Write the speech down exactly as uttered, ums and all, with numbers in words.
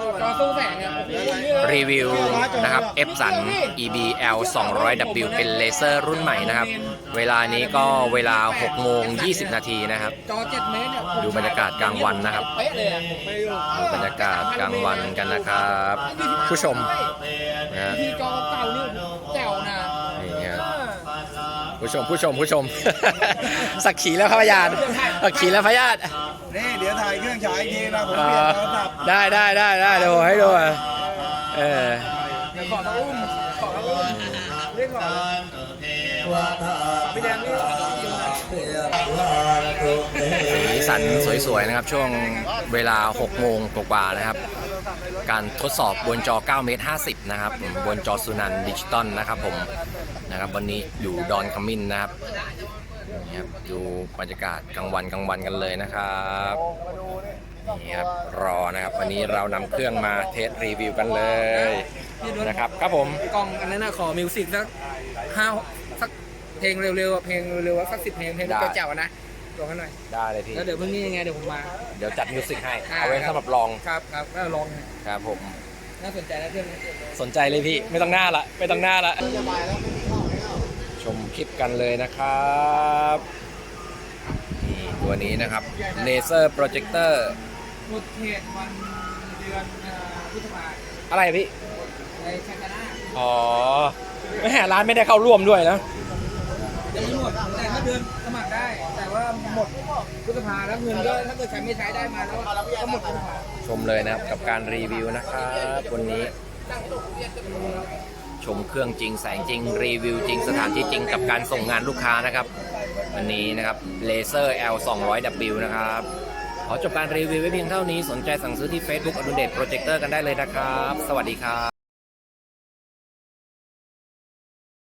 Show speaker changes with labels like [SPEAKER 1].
[SPEAKER 1] จอสู้แสงเนี่ย
[SPEAKER 2] รีวิวนะครับ Epson อี บี แอล สองร้อย ดับเบิลยู เป็นเลเซอร์รุ่นใหม่นะครับเวลานี้ก็เวลาหกโมงยี่สิบนาทีนะครับ
[SPEAKER 1] จอเจ็ดเมตรเนี่ย
[SPEAKER 2] ดูบรรยากาศกลางวันนะครับ
[SPEAKER 1] เป๊ะเลยอะ
[SPEAKER 2] ดูบรรยากาศกลางวันกันนะครับ ผู้ชมนะฮะ
[SPEAKER 1] ที่จอเก่านี่แจ๋วนะ
[SPEAKER 2] นี่ครับผู้ชมผู้ชมผู้ชม สักขีแล้วครับพยานสักขีแล้วพยาน
[SPEAKER 3] นี่เดี๋ยวถ่ายเครื่องฉายอีกทีนะผม
[SPEAKER 2] เอ
[SPEAKER 3] เปลี่ยน
[SPEAKER 2] อ
[SPEAKER 3] โทรศัพท์
[SPEAKER 2] ได้ได้ได้ได้เดี๋ยวผมให้ดูอ่ะเออ
[SPEAKER 1] เดี๋ยวขอตะอุ้มขอตะอุ้มเรียกก่อนพี่แดงนี่
[SPEAKER 2] สีสันสวยๆนะครับช่วงเวลาหกโมงกว่าๆนะครับการทดสอบบนจอเก้าเมตรห้าสิบนะครับบนจอสุนันดิจิตอลนะครับผมนะครับวันนี้อยู่ดอนขมิ้นนะครับนี่ครับดูบรรยากาศกลางวันกลางวันกันเลยนะครับนี่ครับรอนะครับวันนี้เรานำเครื่องมาเทสรีวิวกันเลยนะครับครับผม
[SPEAKER 1] กล้องอันนั้นนะขอมิวสิกสักห้าสักเพลงเร็วๆอะเพลงเร็วๆสักสิบเพลงเพลงเจ๋วๆนะลองกันหน่อย
[SPEAKER 2] ได้เลยพี่
[SPEAKER 1] แล้วเดี๋ยวพรุ่งนี้ยังไงเดี๋ยวผมมา
[SPEAKER 2] เดี๋ยวจัดมิวสิกให้
[SPEAKER 1] อ่า
[SPEAKER 2] เอาไว้สำหรับลอง
[SPEAKER 1] ครับครับแล้วลอง
[SPEAKER 2] ครับผม
[SPEAKER 1] น่าสนใจนะเรื่องนี้
[SPEAKER 2] สนใจเลยพี่ไม่ต้องหน้าละไม่ต้องหน้าละชมคลิปกันเลยนะครับนี่ตัวนี้นะครับเลเซอร์โปรเจคเตอร์
[SPEAKER 1] หมดเขตวันเดือนอ่าพฤษภา
[SPEAKER 2] อะไรพี่
[SPEAKER 1] ในชักนา
[SPEAKER 2] อ๋อไม่แหร้านไม่ได้เข้าร่วมด้วยนะ
[SPEAKER 1] ยังไม่หมดแต่ถ้าเดือนสมัครได้ แต่ว่าหมดพฤษภาแล้วเงินก็ถ้าเกิดใครไม่ใช้ได้มาแล้วก็หมดพฤษภา
[SPEAKER 2] ชมเลยนะครับกับการรีวิวนะครับวันนี้ ชมเครื่องจริงแสงจริงรีวิวจริงสถานที่จริงกับการส่งงานลูกค้านะครับวันนี้นะครับเลเซอร์ แอล สองร้อย ดับเบิลยู นะครับขอจบการรีวิวไว้เพียงเท่านี้สนใจสั่งซื้อที่ Facebook อดุลเดชโปรเจคเตอร์กันได้เลยนะครับสวัสดีครับ